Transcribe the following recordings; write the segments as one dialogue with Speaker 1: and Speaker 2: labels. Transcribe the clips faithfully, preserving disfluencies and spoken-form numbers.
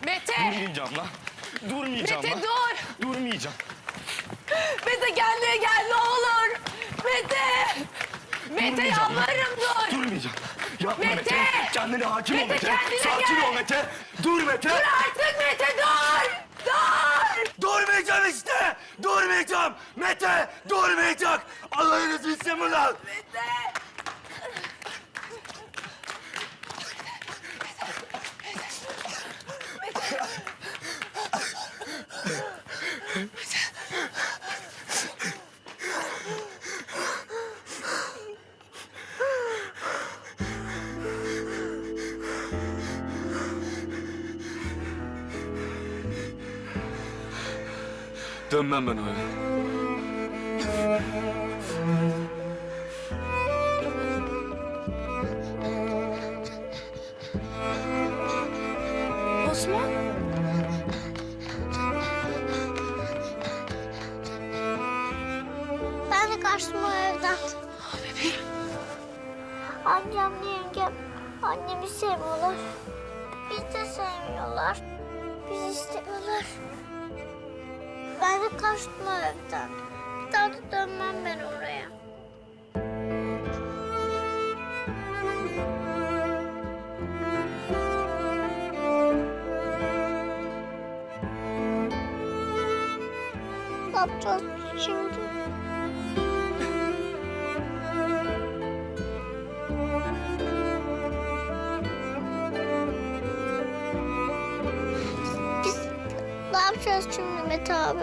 Speaker 1: Mete!
Speaker 2: Durmayacağım lan. Durmayacağım
Speaker 1: Mete
Speaker 2: lan.
Speaker 1: dur!
Speaker 2: Durmayacağım.
Speaker 1: Mete kendine gel ne olur! Mete! Mete
Speaker 2: Durmayacağım lan.
Speaker 1: yalvarırım dur!
Speaker 2: Durmayacağım. Yapma Mete.
Speaker 1: Mete!
Speaker 2: Kendine hakim ol
Speaker 1: Mete,
Speaker 2: Mete.
Speaker 1: kendine
Speaker 2: Sakin
Speaker 1: gel.
Speaker 2: ol Mete. Dur Mete.
Speaker 1: Dur artık Mete dur! Dur!
Speaker 2: Durmayacağım işte. Durmayacağım. Mete durmayacak. Allah'ınız bilsin mi lan?
Speaker 1: Mete!
Speaker 2: Dönmem ben öyle.
Speaker 1: Osman?
Speaker 3: Ben de kaçtım o evden.
Speaker 1: Bebeğim.
Speaker 3: Amcamla yengem annemi sevmiyorlar. Biz de sevmiyorlar. Bizi istemiyorlar. Ben de kaçtım o evden. Bir daha da dönmem ben oraya. Ne yapacağız şimdi? Biz ne yapacağız şimdi Mete abi?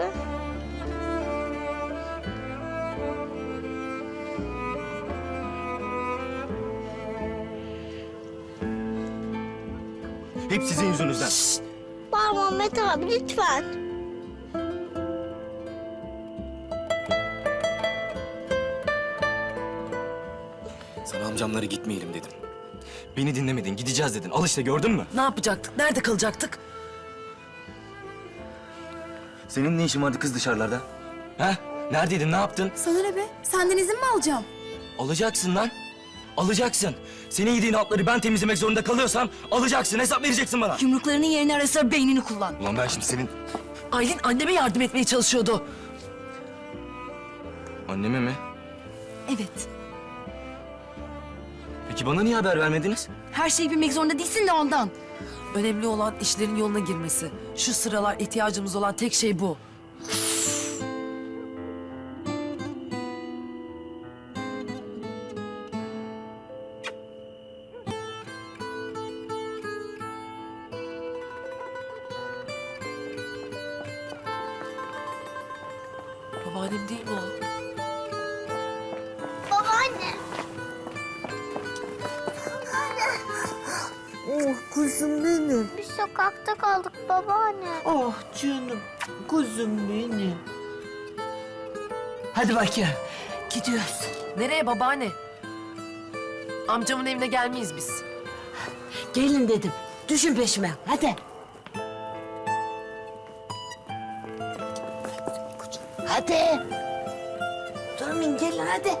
Speaker 2: Hep sizin yüzünüzden.
Speaker 3: Bağırma Mete abi lütfen.
Speaker 2: Sana amcamlara gitmeyelim dedim. Beni dinlemedin, gideceğiz dedin. Al işte gördün mü?
Speaker 1: Ne yapacaktık? Nerede kalacaktık?
Speaker 2: Senin ne işin vardı kız dışarılarda? Ha? Neredeydin, ne yaptın?
Speaker 4: Sana ne be? Senden izin mi alacağım?
Speaker 2: Alacaksın lan. Alacaksın. Senin yediğin altları ben temizlemek zorunda kalıyorsam alacaksın, hesap vereceksin bana.
Speaker 4: Yumruklarının yerine ara sıra beynini kullan.
Speaker 2: Ulan ben şimdi senin...
Speaker 1: Aylin anneme yardım etmeye çalışıyordu.
Speaker 2: Anneme mi?
Speaker 4: Evet.
Speaker 2: Peki bana niye haber vermediniz?
Speaker 4: Her şeyi bilmek zorunda değilsin de ondan.
Speaker 1: Önemli olan işlerin yoluna girmesi. Şu sıralar ihtiyacımız olan tek şey bu. Babaannem değil mi o?
Speaker 3: Babaanne.
Speaker 5: Oh kuzum benim.
Speaker 3: Biz sokakta kaldık babaanne.
Speaker 5: Oh canım. Kuzum benim.
Speaker 1: Hadi bakayım. Gidiyoruz. Nereye babaanne? Amcamın evine gelmeyiz biz.
Speaker 5: Gelin dedim. Düşün peşime. Hadi. Hadi. Durmayın gelin hadi.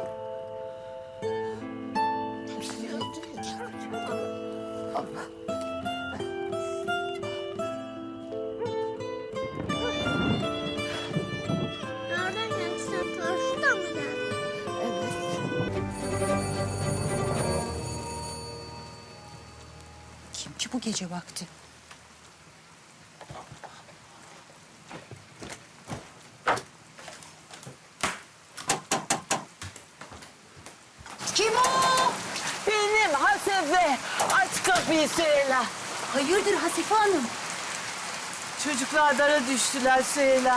Speaker 3: Nereden geldi sen? Şuradan mı geldi?
Speaker 4: Kim ki bu gece vakti? Kim o?
Speaker 5: Benim Hasefe. Aç kapıyı Süheyla.
Speaker 4: Hayırdır Hasife Hanım?
Speaker 5: Çocuklar dara düştüler Süheyla.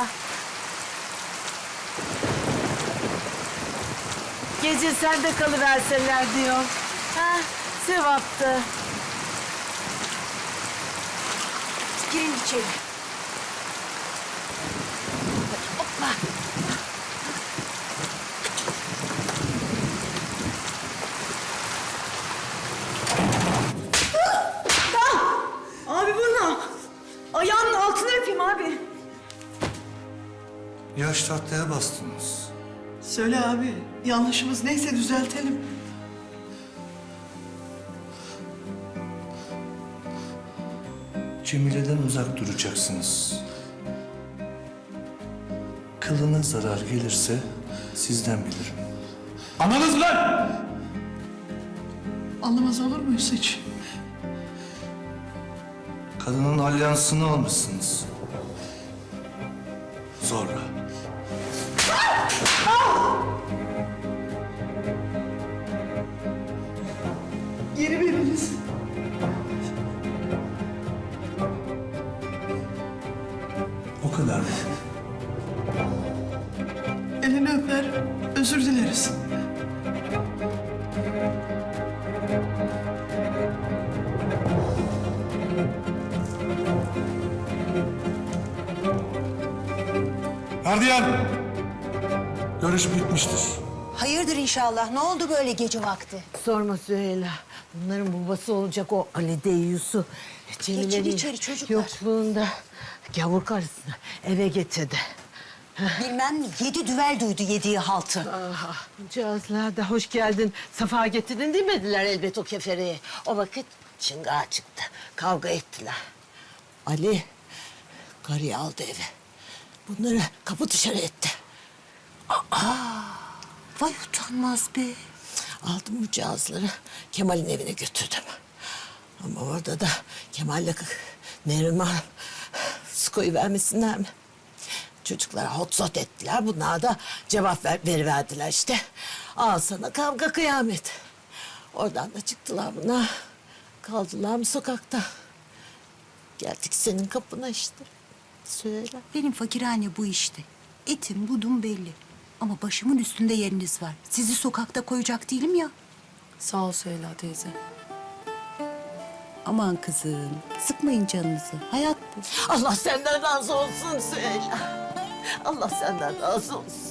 Speaker 5: Gece sen de kalıverseler diyorum. Ha, sevaptı.
Speaker 4: Girin içeri. Hopla.
Speaker 6: Abi bu ne? Ayağının altını öpeyim abi.
Speaker 7: Yaş tahtaya bastınız.
Speaker 6: Söyle abi. Yanlışımız neyse düzeltelim.
Speaker 7: Cemile'den uzak duracaksınız. Kılına zarar gelirse sizden bilirim.
Speaker 6: Anladınız lan! Anlamaz olur muyuz hiç?
Speaker 7: Kadının alyansını almışsınız. Zorla.
Speaker 6: Geri veriniz.
Speaker 7: O kadar mı?
Speaker 6: Elini öper, özür dileriz.
Speaker 7: Gardiyan! Görüş bitmiştir.
Speaker 4: Hayırdır inşallah. Ne oldu böyle gece vakti?
Speaker 5: Sorma Süheyla. Bunların babası olacak o Ali Deyyus'u. Cemile'nin
Speaker 4: içeri çocuklar.
Speaker 5: yokluğunda gavur karısını eve getirdi.
Speaker 4: Bilmem mi? Yedi düvel duydu yediği haltı.
Speaker 5: Aha, cihazlar da hoş geldin, safa getirdin demediler elbet o kefereye. O vakit çıngağa çıktı, kavga ettiler. Ali karıyı aldı eve. Bunları kapı dışarı etti.
Speaker 4: Vay utanmaz be.
Speaker 5: Aldım bu cihazları Kemal'in evine götürdüm. Ama orada da Kemal'le Neriman su koyu vermesinler mi? Çocuklara hot zot ettiler. Bunlar da cevap ver, veriverdiler işte. Al sana kavga kıyamet. Oradan da çıktılar bunlar. Kaldılar mı sokakta? Geldik senin kapına işte. Söyle.
Speaker 4: Benim fakirhane bu işte. Etim budum belli. Ama başımın üstünde yeriniz var. Sizi sokakta koyacak değilim ya.
Speaker 1: Sağ ol Süheyla teyze.
Speaker 4: Aman kızım, sıkmayın canınızı. Hayat bu.
Speaker 5: Allah senden razı olsun Söyle. Allah senden razı olsun.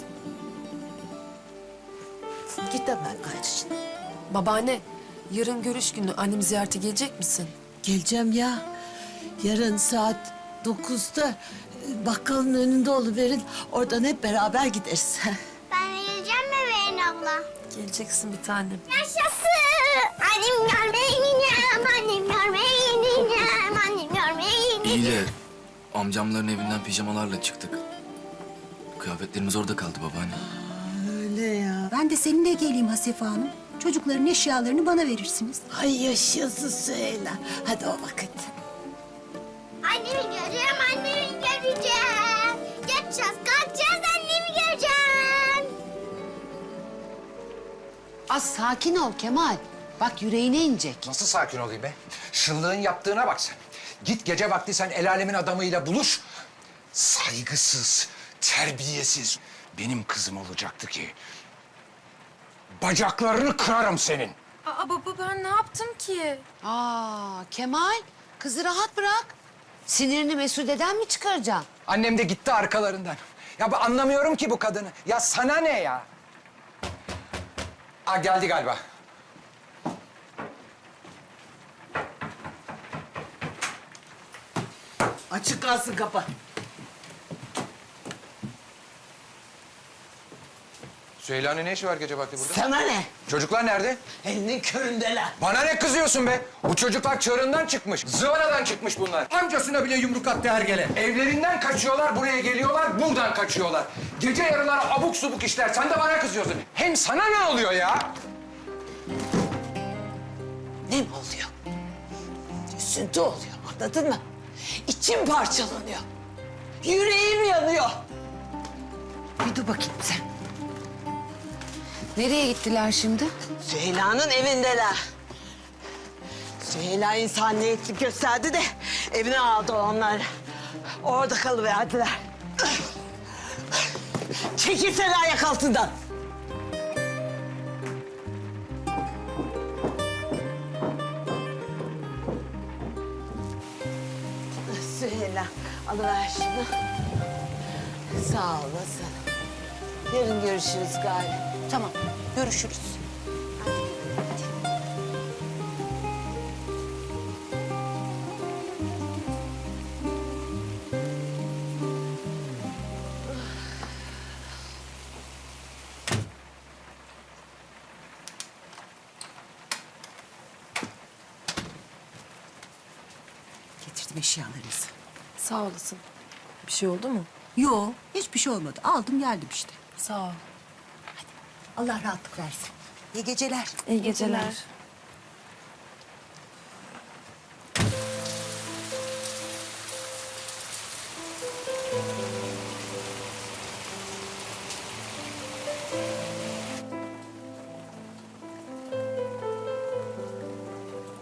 Speaker 5: Git hemen kardeşim.
Speaker 1: Babaanne, yarın görüş günü annemi ziyarete gelecek misin?
Speaker 5: Geleceğim ya. Yarın saat dokuzda e, bakkalın önünde oluverin. Oradan hep beraber gideriz.
Speaker 3: Ben de geleceğim bebeğin abla.
Speaker 1: Geleceksin bir tanem.
Speaker 3: Yaşasın. Annem görmeye ineceğim. Annem görmeye ineceğim. Annem görmeye ineceğim.
Speaker 2: İyi de amcamların evinden pijamalarla çıktık. Kıyafetlerimiz orada kaldı babaanne.
Speaker 5: Öyle ya.
Speaker 4: Ben de seninle geleyim Hasife Hanım. Çocukların eşyalarını bana verirsiniz.
Speaker 5: Ay yaşasın Süheyla. Hadi o vakit.
Speaker 3: Annemi göreceğim, annemi göreceğim. Yatacağız, kalkacağız, annemi göreceğim.
Speaker 8: Az sakin ol Kemal. Bak yüreğine inecek.
Speaker 9: Nasıl sakin olayım be? Şıllığın yaptığına bak sen. Git gece vakti sen el alemin adamıyla buluş. Saygısız, terbiyesiz. Benim kızım olacaktı ki. Bacaklarını kırarım senin.
Speaker 1: Aa baba ben ne yaptım ki?
Speaker 8: Aa Kemal, kızı rahat bırak. Sinirini Mesude'den mi çıkaracaksın?
Speaker 9: Annem de gitti arkalarından. Ya ben anlamıyorum ki bu kadını. Ya sana ne ya? Aa geldi galiba.
Speaker 5: Açık kalsın kapı.
Speaker 9: Süheyla'nın ne işi var gece vakti burada?
Speaker 5: Sana ne?
Speaker 9: Çocuklar nerede?
Speaker 5: Elinin köründeler.
Speaker 9: Bana ne kızıyorsun be? Bu çocuklar çığırından çıkmış. Zıvanadan çıkmış bunlar. Amcasına bile yumruk attı hergele. Evlerinden kaçıyorlar, buraya geliyorlar, buradan kaçıyorlar. Gece yarıları abuk subuk işler. Sen de bana kızıyorsun. Hem sana ne oluyor ya?
Speaker 5: Ne mi oluyor? Üzüntü oluyor, anladın mı? İçim parçalanıyor. Yüreğim yanıyor. Bir dur bakayım sen.
Speaker 8: Nereye gittiler şimdi?
Speaker 5: Süheyla'nın evindeler. Süheyla insaniyetlik gösterdi de evine aldı onlar. Orada kalıverdiler. Çekilsene ayak altından. Süheyla alıver şunu. Sağ olasın. Yarın görüşürüz galiba.
Speaker 4: Tamam, görüşürüz. Getirdim olsun eşyalarınızı.
Speaker 1: Sağ olasın. Bir şey oldu mu?
Speaker 4: Yo, hiçbir şey olmadı. Aldım geldim işte.
Speaker 1: Sağ ol.
Speaker 4: Allah rahatlık versin. İyi geceler.
Speaker 1: İyi geceler.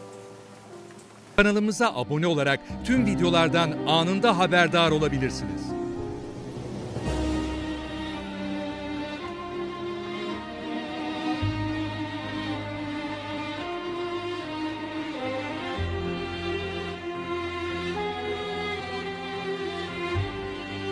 Speaker 10: Kanalımıza abone olarak tüm videolardan anında haberdar olabilirsiniz.